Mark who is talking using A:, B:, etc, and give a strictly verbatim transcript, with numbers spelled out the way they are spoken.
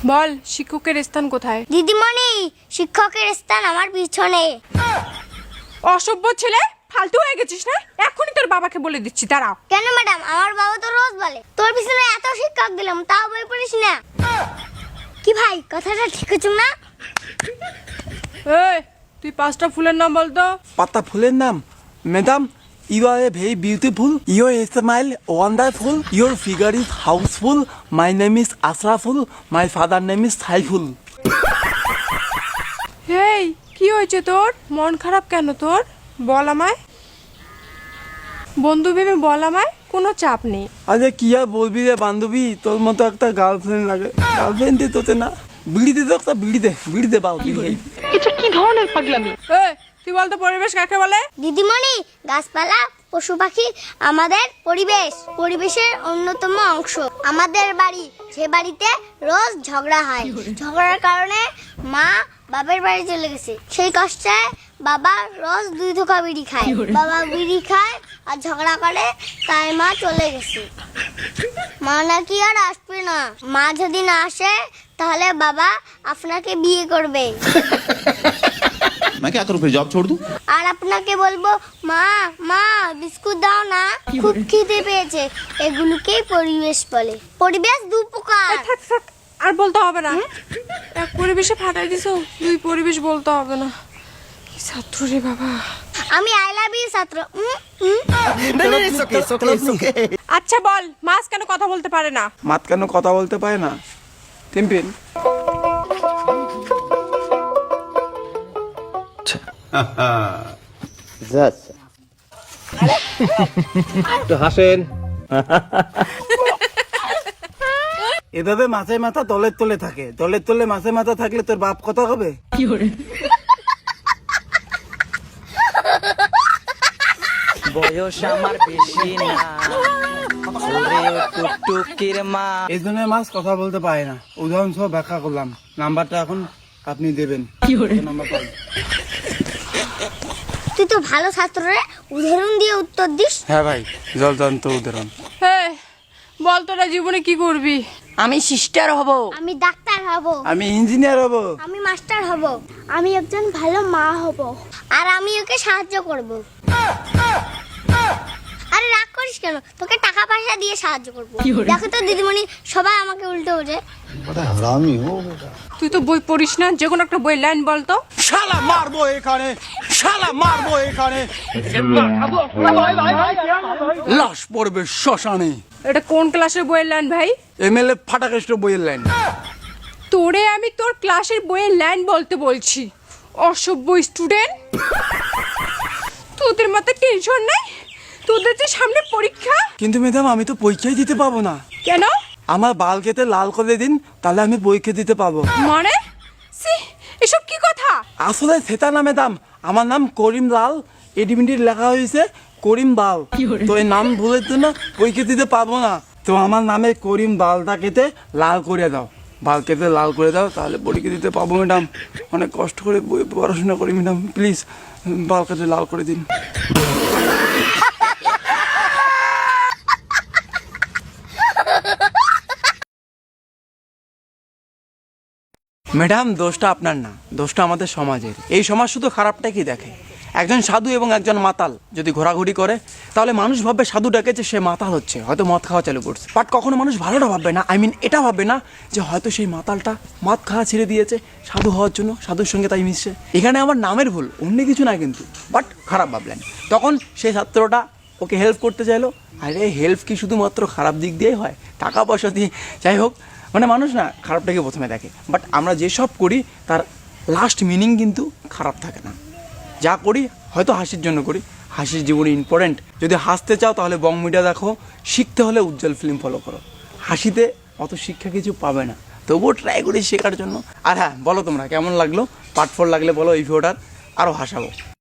A: বল শিক্ষকের স্থান কোথায়?
B: দিদিমণি, শিক্ষকের স্থান আমার পিছনে।
A: অসভ্য ছেলে, ফালতু হয়ে গেছিস না? এখনই তোর বাবাকে বলে দিচ্ছি, দাঁড়াও।
B: কেন ম্যাডাম? আমার বাবা তো রোজ বলে তোর পিছনে এত শিক্ষক দিলাম তাও বই পড়িস না। কি ভাই, কথাটা ঠিক হচ্ছে না?
A: এই তুই পাঁচটা ফুলের নাম বলতো।
C: পাতা ফুলের নাম? Madam, you are a very beautiful, your smile wonderful, your figure is houseful, my name is Asraful, my father name is Saiful.
A: এই কি হয়েছে তোর? মন খারাপ কেন তোর? বল আমায়, বন্ধু ভেবে বল আমায়, কোনো চাপ নেই।
C: আরে কি আর বলবি রে বান্ধবী, তোর মতো একটা গার্লফ্রেন্ড লাগে। গার্লফ্রেন্ড দে তোতে না, বিড়ি দে তো, একটা বিড়ি দে, বিড়ি দে বাউ বিড়ি।
A: এটা কি ধরনের পাগলামি? এই তুই বলতো পরিবেশ কাকে বলে?
B: দিদিমণি, গাছপালা, পশু পাখি আমাদের পরিবেশ, পরিবেশের অন্যতম অংশ। আমাদের বাড়ি, যে বাড়িতে রোজ ঝগড়া হয়, ঝগড়ার কারণে মা বাবার বাড়ি চলে গেছে। সেই কষ্টে বাবা রোজ দুই ধোঁকা বিড়ি খায়। বাবা বিড়ি খায় আর ঝগড়া করে, তাই মা চলে গেছে। মা নাকি আর আসবে না। মা যদি না আসে তাহলে বাবা আপনাকে বিয়ে করবে।
D: मैं क्या करूं फिर, जॉब छोड़ दूं?
B: আর আপনাকে বলবো, মা মা বিস্কুট দাও না, খুব খিদে পেয়েছে। এগুলোকেই পরিবেশ বলে। পরিবেশ দু প্রকার।
A: থাক থাক, আর বলতে হবে না। এক পরিবেশে ফাটাই দিছো, দুই পরিবেশ বলতে হবে না। কি ছাত্র রে বাবা।
B: আমি আই লাভ ইউ ছাত্র। উম, উম।
A: আচ্ছা বল, মাছ কেন কথা বলতে পারে না?
C: মাত কেন কথা বলতে পারে না? টিম্পিন,
E: একটু হাসেন।
C: এভাবে মাছের মাথা তলের তলে থাকে, তলের তলে মাছের মাথা থাকলে তোর বাপ কথা হবে?
F: বয়স আমার বেশি না, ওরে ও টুকটুকির মা।
C: এই জন্য মাছ কথা বলতে পারে না। উদাহরণ সহ ব্যাখ্যা করলাম। নাম্বারটা এখন আপনি দেবেন। নাম্বার পাই।
B: তুই তো ভালো ছাত্র রে, উদাহরণ দিয়ে উত্তর দিস।
C: হ্যাঁ ভাই, জল জান্ত উদাহরণ।
A: হ্যাঁ বল, তোরা জীবনে কি করবি?
F: আমি সিস্টার হব,
B: আমি ডাক্তার হব,
C: আমি ইঞ্জিনিয়ার হব,
B: আমি মাস্টার হব, আমি একজন ভালো মা হব, আর আমি ওকে সাহায্য করব। আরে রাগ করিস কেন? তোকে টাকা পয়সা দিয়ে সাহায্য করব। দেখো তো দিদিমণি, সবাই আমাকে উল্টো ওঠে।
A: তুই তো বই পড়িস না, যে কোনো একটা বই লাইন বলতো।
C: শালা মারবো এখানে, শালা মারবো এখানে, লাশ পড়বে শ্মশানে।
A: এটা কোন ক্লাসের বইয়ের লাইন ভাই?
C: এমএলএ ফাটাকেষ্ট বইয়ের লাইন।
A: তোরে আমি তোর ক্লাসের বইয়ের লাইন বলতে বলছি, অসভ্য স্টুডেন্ট। তোদের মাথায় টেনশন নাই? তোদের যে সামনে পরীক্ষা।
C: কিন্তু ম্যাডাম, আমি তো পরীক্ষাই দিতে পাবো না।
A: কেন?
C: আমার বাল কেটে লাল করে দিন, তাহলে আমি পরীক্ষা দিতে পাবো।
A: মানে সি, এসব কি কথা?
C: আসলে সেটা না ম্যাডাম, আমার নাম করিম লাল, এডিমিটি লেখা হয়েছে করিম বাল। তো এই নাম ভুলের জন্য পরীক্ষা দিতে পারবো না। তো আমার নামে করিম বালটা কেটে লাল করে দাও, বাল কেটে লাল করে দাও, তাহলে পরীক্ষা দিতে পাবো ম্যাডাম। অনেক কষ্ট করে বই পড়াশোনা করি ম্যাডাম, প্লিজ বাল কেটে লাল করে দিন। ম্যাডাম, দোষটা আপনার না, দোষটা আমাদের সমাজের। এই সমাজ শুধু খারাপটা কি দেখে। একজন সাধু এবং একজন মাতাল যদি ঘোরাঘুরি করে, তাহলে মানুষ ভাববে সাধু ডাকেছে, সে মাতাল হচ্ছে, হয়তো মদ খাওয়া চালু করছে। বাট কখনো মানুষ ভালোটা ভাববে না, আই মিন এটা ভাববে না যে হয়তো সেই মাতালটা মদ খাওয়া ছেড়ে দিয়েছে সাধু হওয়ার জন্য, সাধুর সঙ্গে তাই মিশছে। এখানে আমার নামের ভুল, অন্য কিছু না কিন্তু, বাট খারাপ ভাবলেন। তখন সেই ছাত্রটা ওকে হেল্প করতে চাইলো। আরে হেল্প কি শুধুমাত্র খারাপ দিক দিয়েই হয়? টাকা পয়সা দিয়ে, যাই হোক, মানে মানুষ না খারাপটাকে প্রথমে দেখে। বাট আমরা যেসব করি তার লাস্ট মিনিং কিন্তু খারাপ থাকে না। যা করি হয়তো হাসির জন্য করি, হাসির জীবনে ইম্পর্টেন্ট। যদি হাসতে চাও তাহলে বং মিডিয়া দেখো, শিখতে হলে উজ্জ্বল ফিল্ম ফলো করো। হাসিতে অত শিক্ষা কিছু পাবে না, তবুও ট্রাই করি শেখার জন্য। আর হ্যাঁ, বলো তোমরা কেমন লাগলো? পার্ট ফোর লাগলে বলো, এই ভিডিওটার আরও হাসাবো।